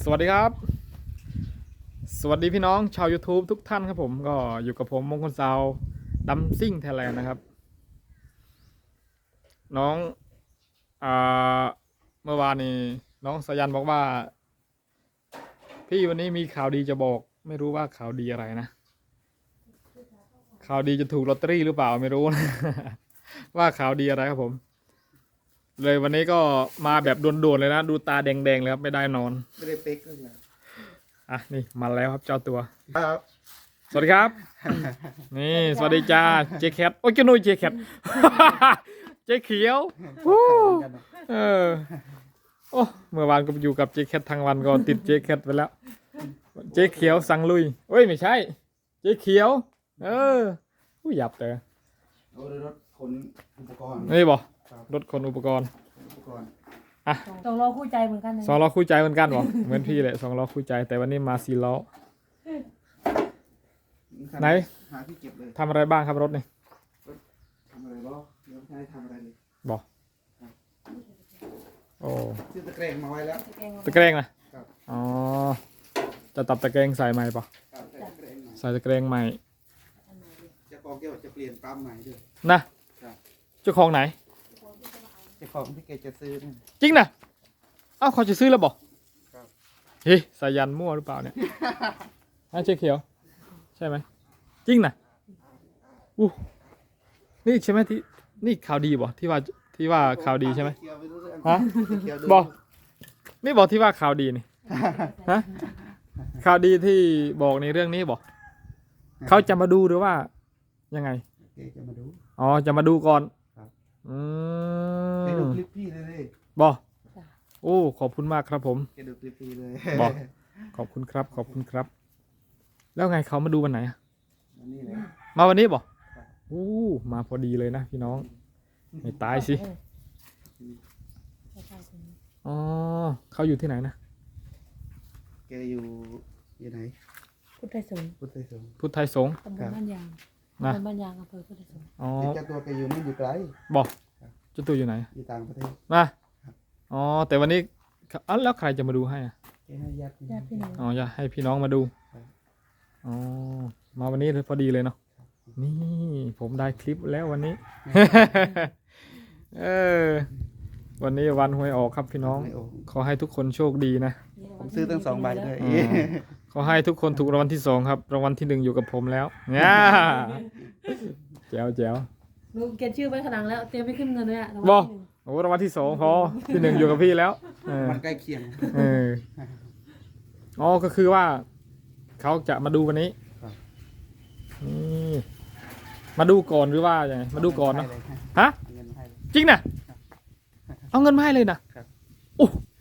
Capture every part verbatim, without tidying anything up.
วัสดีครับสวัสดีพี่น้องชาว YouTube ทุกท่านครับผมก็อยู่กับผมมงคลซาวดัมซิ่งไทยแลนด์นะครับน้องอ่าเมื่อวานนี้น้องสายันบอกว่าพี่วันนี้มีข่าวดีจะบอกไม่รู้ว่าข่าวดีอะไรนะข่าวดีจะถูกลอตเตอรี่หรือเปล่าไม่รู้นะ ว่าข่าวดีอะไรครับผมเลยวันนี้ก็มาแบบด่วนๆเลยนะดูตาแดงๆเลยครับไม่ได้นอนไม่ได้เป๊กเลยนะอ่ะนี่มาแล้วครับเจ้าตัวครับสวัสดีครับ นี่สวัสดีจ้าเจแคทโอ้ยเจ้าหนุ่ยเจแคท เจเขียวเออโอ้เมื่อวานก็อยู่กับเจแคททั้งวันก็ติดเจแคทไปแล้วเจเขียวสั่งลุยเอ้ยไม่ใช่เจเขียวเออผู้หยับแต่เอารถขนอุปกรณ์นี่บอกรถขนอุปกรณ์อุปกรณ์อ่ะสองล้อคู่ใจเหมือนกันนะสองล้อคู่ใจเหมือนกันบอกเหมือนพี่เลยสองล้อคู่ใจแต่วันนี้มาสี่ล้อไหนหาที่เก็บเลยทำอะไรบ้างครับรถนี่ทำอะไรบ้างเดี๋ยวไม่ได้ทำอะไรเลยบอกโอ้ซื้อตะแกรงมาไว้แล้วตะแกรงนะอ๋อจะตัดตะแกรงใส่ใหม่ปะใส่ตะแกรงใหม่จะกองเกี่ยวจะเปลี่ยนปั๊มใหม่ด้วยนะเจ้าของไหนเจ้าของที่แกจะซื้อจริงนะเอ้าเขาจะซื้อแล้วบอกเฮ้ยสายันมั่วหรือเปล่าเนี่ยอ่ะเจ๊เขียวใช่ไหมจริงนะอู้นี่ใช่ไหมที่นี่ข่าวดีบอกที่ว่าที่ว่าข่าวดีใช่ไหมฮะบอกนี่บอกที่ว่าข่าวดีนี่ฮะข่าวดีที่บอกในเรื่องนี้บอกเขาจะมาดูหรือว่ายังไงจะมาดูอ๋อจะมาดูก่อนอืมแกดูคลิปพี่เลยบอกโอ้ขอบคุณมากครับผมแกดูคลิปพี่เลยบอกขอบคุณครับขอบคุณครับแล้วไงเขามาดูวันไหนอะวันนี้เลยมาวันนี้บอกโอ้มาพอดีเลยนะพี่น้องไม่ตายสิอ๋อเขาอยู่ที่ไหนนะแกอยู่อยู่ไหนพุทธไทยสงฆ์พุทธไทยสงฆ์พุทธไทยสงฆ์ตำบลบ้านยางนะตำบลบ้านยางอำเภอพุทธไทยสงฆ์อ๋อเจ้าตัวแกอยู่ไม่อยู่ไกลบอกเจ้าตัวอยู่ไหนอยู่ต่างประเทศมาอ๋อแต่วันนี้อ๋อแล้วใครจะมาดูให้อ่ะให้ญาติพี่น้องอ๋อจะให้พี่น้องมาดูอ๋อมาวันนี้เลยพอดีเลยเนาะนี่ผมได้คลิปแล้ววันนี้ เออวันนี้วันหวยออกครับพี่น้องขอให้ทุกคนโชคดีนะผมซื้อตั้งสองใบด้วยขอให้ทุกคนถูกรางวัลที่สองครับรางวัลที่หนึ่งอยู่กับผมแล้วเนี่ยแจ๋วแจ๋วลูกเขียนชื่อไว้ข้างหลังแล้วเตรียมไปขึ้นเงินเลยอ่ะบอกโอ้รางวัลที่สองพอที่หนึ่งอยู่กับพี่แล้วมันใกล้เคียงเอออ๋อก็คือว่าเขาจะมาดูวันนี้นี่มาดูก่อนหรือว่าอย่างไรมาดูก่อนเนาะฮะจริงนะเอาเงินมาให้เลยนะโอ้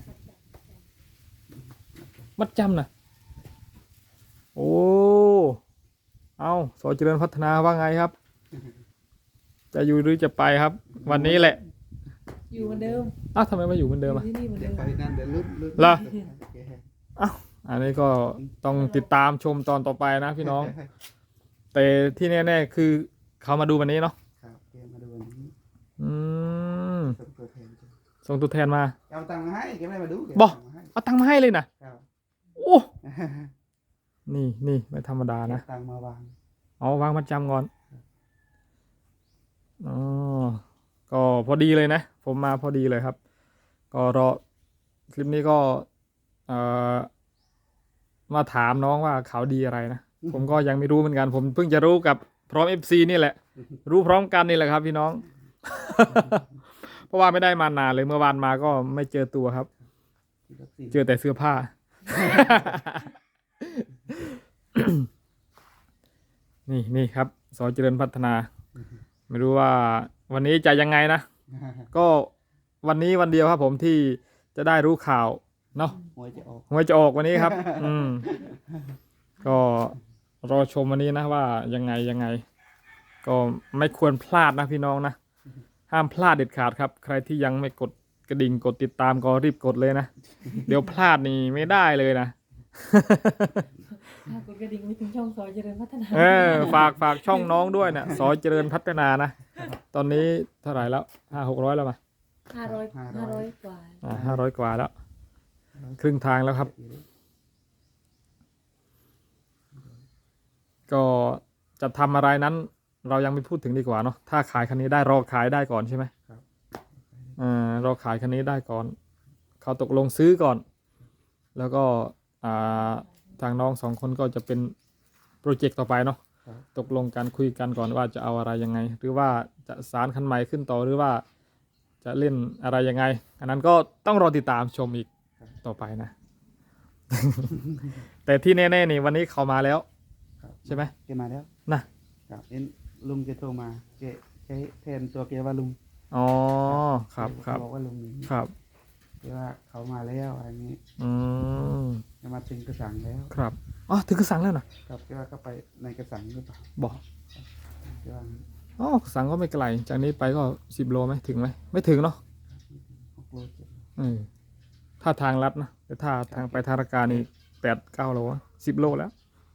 มัดจำนะโอ้เอาสอเจริญพัฒนาว่าไงครับจะอยู่หรือจะไปครับวันนี้แหละอยู่เหมือนเดิมอ้าวทำไมมาอยู่เหมือนเดิมอ่ะไปนั่นเดี๋ยวลุ้นลุ้นล่ะอ้าวอันนี้ก็ต้องติดตามชมตอนต่อไปนะพี่น้องแต่ที่แน่ๆคือเขามาดูวันนี้เนาะครับมาดูวันนี้อืมส่งตัวแทนส่งตัวแทนมาเอาตังค์มาให้แกไม่มาดูบอกเอาตังค์มาให้เลยนะโอ้นี่นี่ไม่ธรรมดานะตังค์มาวางเอาวางมัดจำก่อนอ๋อก็พอดีเลยนะผมมาพอดีเลยครับก็รอคลิปนี้ก็เอ่อมาถามน้องว่าข่าวดีอะไรนะผมก็ยังไม่รู้เหมือนกันผมเพิ่งจะรู้กับพร้อม เอฟ ซี นี่แหละรู้พร้อมกันนี่แหละครับพี่น้อง เพราะว่าไม่ได้มานานเลยเมื่อวานมาก็ไม่เจอตัวครับเจอแต่เสื้อผ้า นี่นี่ครับสอเจริญพัฒนาไม่รู้ว่าวันนี้จะยังไงนะก็วันนี้วันเดียวครับผมที่จะได้รู้ข่าวเนาะหวยจะออกหวยจะออกวันนี้ครับอืมก็รอชมวันนี้นะว่ายังไงยังไงก็ไม่ควรพลาดนะพี่น้องนะห้ามพลาดเด็ดขาดครับใครที่ยังไม่กดกระดิ่งกดติดตามก็รีบกดเลยนะเดี๋ยวพลาดนี่ไม่ได้เลยนะกดกระดิ่งไปถึงช่องสอเจริญพัฒนาเออฝากฝากช่องน้องด้วยเนี่ยสอเจริญพัฒนานะตอนนี้เท่าไหร่แล้วห้าหกร้อยแล้วมั้ยห้าร้อยห้าร้อยกว่าอ่าห้าร้อยกว่าแล้วครึ่งทางแล้วครับก็จะทำอะไรนั้น เรายังไม่พูดถึงดีกว่าเนาะถ้าขายคันนี้ได้รอขายได้ก่อนใช่ไหมครับอ่ารอขายคันนี้ได้ก่อน เขาตกลงซื้อก่อน แล้วก็อ่าทางน้องสองคนก็จะเป็นโปรเจกต์ต่อไปเนาะครับตกลงกันคุยกันก่อนว่าจะเอาอะไรยังไง หรือว่าจะสารคันใหม่ขึ้นต่อหรือว่าจะเล่นอะไรยังไง อันนั้นก็ต้องรอติดตามชมอีกต่อไปนะ แต่ที่แน่ๆนี่วันนี้เขามาแล้วครับใช่ไหมแกมาแล้วนะครับเอ็นลุงแกโทรมาแกใช้แทนตัวแกว่าลุงอ๋อครับครับเขาบอกว่าลุงอย่างนี้ครับแกว่าเขามาแล้วอะไรนี้อืมจะมาถึงกระสังแล้วครับอ๋อถึงกระสังแล้วนะครับแกว่าก็ไปในกระสังหรือเปล่าบอกแกว่าอ๋อกระสังก็ไม่ไกลจากนี้ไปก็สิบโลไหมถึงไหมไม่ถึงเนาะหกโลเจ็ดโลเออถ้าทางลัดนะแต่ถ้าทางไปทางรการนี่แปดเก้าโลสิบโลแล้ว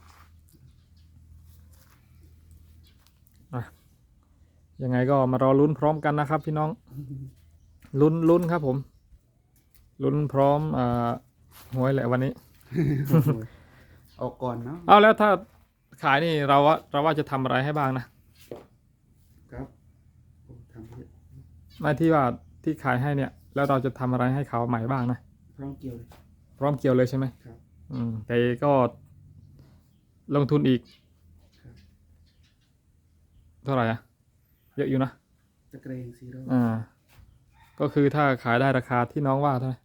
อ่ะยังไงก็มารอลุ้นพร้อมกันนะครับ พี่น้องลุ้นลุ้นครับผมลุ้นพร้อมอ่าหวยแหละวันนี้ออกก่อนเนาะเอาแล้วถ้าขายนี่เราว่าเราว่าจะทำอะไรให้บ้างนะครับโอ้ทำเยอะไม่ที่ว่าที่ขายให้เนี่ย แล้วเราจะทำอะไรให้เขาใหม่บ้างนะพร้อมเกี่ยวเลยพร้อมเกี่ยวเลยใช่ไหมครับอืมแต่ก็ลงทุนอีกครับเท่าไหร่อะเยอะอยู่นะตะเกรงซีโร่อ่า ก็คือถ้าขายได้ราคาที่น้องว่าเท่าไหร่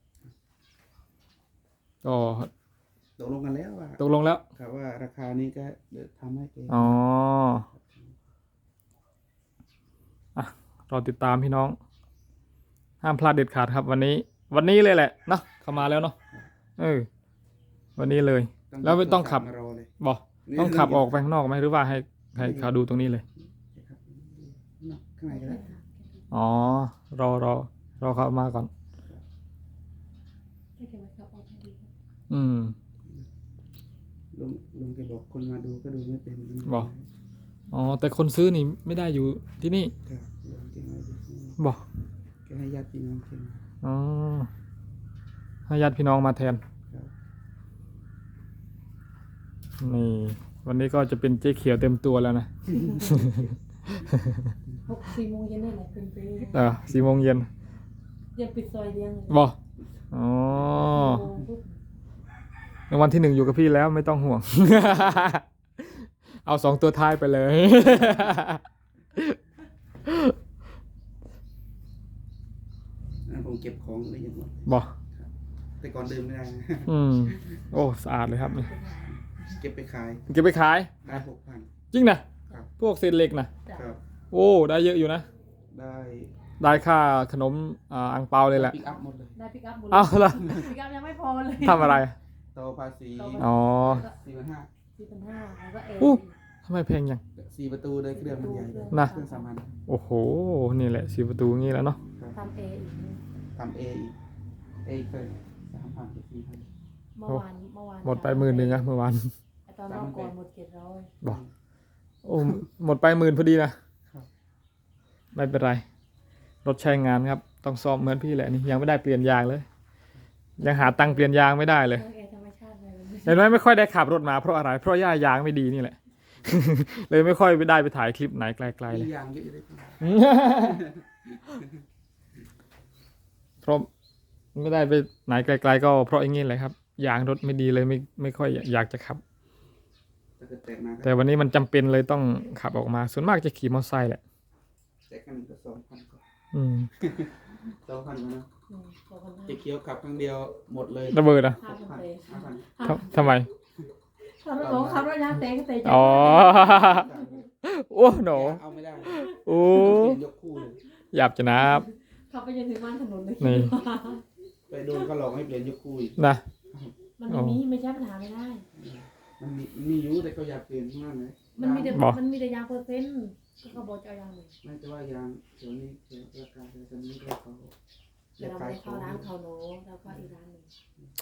ก็ตกลงกันแล้วว่าตกลงแล้วครับว่าราคานี้ก็เดี๋ยวทำให้แกอ๋ออ่ะรอติดตามพี่น้อง ห้ามพลาดเด็ดขาดครับ วันนี้ วันนี้เลยแหละเนาะเข้ามาแล้วเนาะเออ วันนี้เลย แล้วไม่ต้องขับมารอเลยบอกต้องขับออกไปข้างนอกไหมหรือว่าให้ให้เขาดูตรงนี้เลยครับข้างในก็ได้อ๋อ รอรอรอเขามาก่อนให้แกมาขับออกให้ดีครับอืมลุงลุงแกบอกคนมาดูก็ดูไม่เป็นบอก อ๋อ แต่คนซื้อนี่ไม่ได้อยู่ที่นี่ครับลุงแกมาดูบอกแกให้ญาติพี่น้องแกมาอ๋อให้ญาติพี่น้องมาแทนครับนี่ วันนี้ก็จะเป็นเจ๊เขียวเต็มตัวแล้วนะหกสี่โมงเย็นนี่แหละเป็นไปเออสี่โมงเย็นยังปิดซอยเดียงเลยบอกอ๋อโมงปุ๊บในวันที่หนึ่งอยู่กับพี่แล้วไม่ต้องห่วง เอาสองตัวท้ายไปเลยอ่าผมเก็บของได้ยังหมดบอกแต่ก่อนดื่มไม่ได้นะอืม โอ้ สะอาดเลยครับนี่เก็บไปขายเก็บไปขายได้หกพันจริงนะครับ พวกเศษเหล็กนะจ้ะครับโอ้ ได้เยอะอยู่นะได้ได้ค่าขนมอ่าอังเปาเลยแหละปิกอัพหมดเลยได้ปิกอัพบุญเอาละปิกอัพยังไม่พอเลยทำอะไรต่อภาษีอ๋อสี่พันห้าสี่พันห้าแล้วก็เออู้ ทำไมแพงยังสี่ประตูเลยเครื่องมันใหญ่นะเครื่องสามัญโอ้โห นี่แหละสีประตูงี้แล้วเนาะครับทำเออีกทำเออีกเออีกเคยสามพันสี่พันเมื่อวานเมื่อวานหมดไปหมื่นหนึ่งอะเมื่อวานไอ้ตอนรอบก่อนหมดเจ็ดร้อยบอก โอ้ หมดไปหมื่นพอดีนะ ไม่เป็นไร รถใช้งานครับ ต้องซ่อมเหมือนพี่แหละนี่ยังไม่ได้เปลี่ยนยางเลย ยังหาตังค์เปลี่ยนยางไม่ได้เลยเออธรรมชาติเลยเห็นไหมไม่ค่อยได้ขับรถมาเพราะอะไร เพราะย่ายางไม่ดีนี่แหละ เลยไม่ค่อยไปได้ไปถ่ายคลิปไหนไกลๆเลมียยางเยอะอยู่เลยเพราะไม่ได้ไปไหนไกลๆก็เพราะอย่างนี้แหละครับยางรถไม่ดีเลยไม่ไม่ค่อยอยากจะขับถ้าเกิดแตกมาก็แต่วันนี้มันจำเป็นเลยต้องขับออกมา ส่วนมากจะขี่มอเตอร์ไซค์แหละแตกกันหนึ่งก็สองพันกว่าอืมสองพันกว่านะอืมสองพันห้าเจ๊เคี้ยวขับครั้งเดียวหมดเลยระเบิดอ่ะห้าหกพันพันเตะห้าพันทำทำไมขับรถหลงขับรถยางเตะก็เตะอ๋อ โอ้โหนเอาไม่ได้โอ้เปลี่ยนยกคู่เลยหยาบจะนับขับไปจนถึงบ้านถนนเลยนี่ไปโดนเขาหลอกให้เปลี่ยนยกคู่อีกนะมันไม่มีไม่ใช่ปัญหาไม่ได้มันมีมีอยู่แต่เขาอยากเปลี่ยนมากเลยมันมีแต่บอกมันมีแต่ยางเปอร์เซ็นต์ก็เขาบอกจะเอายางเลยไม่แต่ว่ายางเดี๋ยวนี้เดี๋ยวราคาเดี๋ยวตอนนี้ก็เขาอเดี๋ยยาว กเราขายไปขอเข้าง ร้านเขาโน้แล้วก็อีกร้านหนึ่ง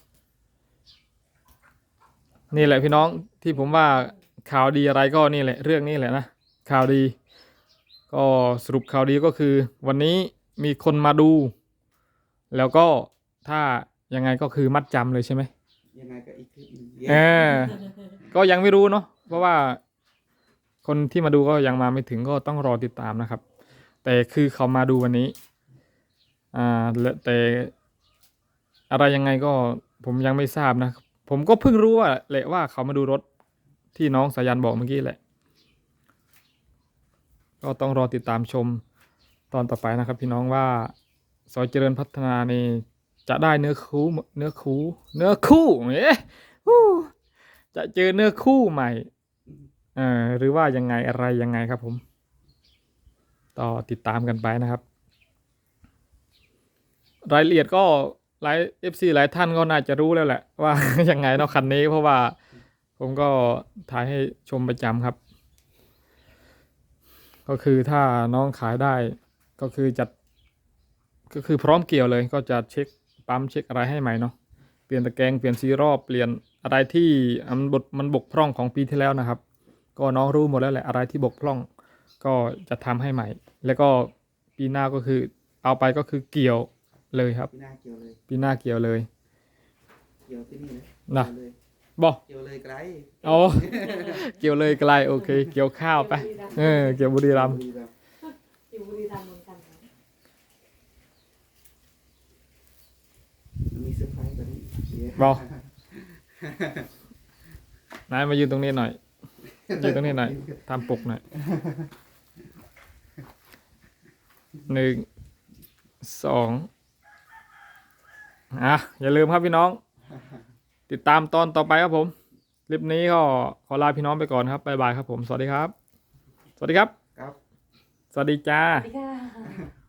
นี่แหละพี่น้องที่ผมว่าข่าวดีอะไรก็นี่แหละ เรื่องนี้แหละนะข่าวดี ก็สรุปข่าวดีก็คือ วันนี้มีคนมาดู แล้วก็ถ้ายังไงก็คือมัดจำเลยใช่ไหมยังไงก็อีกคลิปหนึงเออก็ยังไม่รู้เนาะเพราะว่าคนที่มาดูก็ยังมาไม่ถึงก็ต้องรอติดตามนะครับ แต่คือเขามาดูวันนี้อ่าและแต่อะไรยังไงก็ผมยังไม่ทราบนะผมก็เพิ่งรู้ว่าแหละว่าเขามาดูรถที่น้องสายันบอกเมื่อกี้แหละ ก็ต้องรอติดตามชมตอนต่อไปนะครับ พี่น้องว่าซอยเจริญพัฒนานี่จะได้เนื้อคู่เนื้อคู่เนื้อคู่เอ๊ะฮู้จะเจอเนื้อคู่ใหม่เอ่อหรือว่ายังไงอะไรยังไงครับผมต่อติดตามกันไปนะครับ รายละเอียดก็หลาย เอฟ ซี หลายท่านก็น่าจะรู้แล้วแหละว่า ยังไงเนาะคันนี้เพราะว่าผมก็ถ่ายให้ชมประจำครับ ก็คือถ้าน้องขายได้ก็คือจัดก็คือพร้อมเกี่ยวเลยก็จะเช็คปั๊มเช็คอะไรให้ใหม่เนาะเปลี่ยนตะแกรงเปลี่ยนซีรอบเปลี่ยนอะไรที่มันบดมันบกพร่องของปีที่แล้วนะครับ ก็น้องรู้หมดแล้วแหละอะไรที่บกพร่องก็จะทำให้ใหม่ แล้วก็ปีหน้าก็คือเอาไปก็คือเกี่ยวเลยครับพี่หน้าเกี่ยวเลยปีหน้าเกี่ยวเลยเกี่ยวที่นี่เลยน่ะเกี่ยวเลยบอกเกี่ยวเลยไกลโอ้เกี่ยวเลยไกลโอเค เกี่ยวข้าวไปเออเกี่ยวบุรีรัมย์บุรีรัมย์อยู่บุรีรัมย์เหมือนกันค่ะมันมีเซอร์ไพรส์กว่านี้เดี๋ยวบอก นายมายืนตรงนี้หน่อยยืนตรงนี้หน่อยทำปกหน่อยหนึ่งสองอ่ะอย่าลืมครับพี่น้อง ติดตามตอนต่อไปครับผมคลิปนี้ก็ขอลาพี่น้องไปก่อนครับบ๊ายบายครับผมสวัสดีครับ สวัสดีครับครับสวัสดีจ้าสวัสดีค่ะ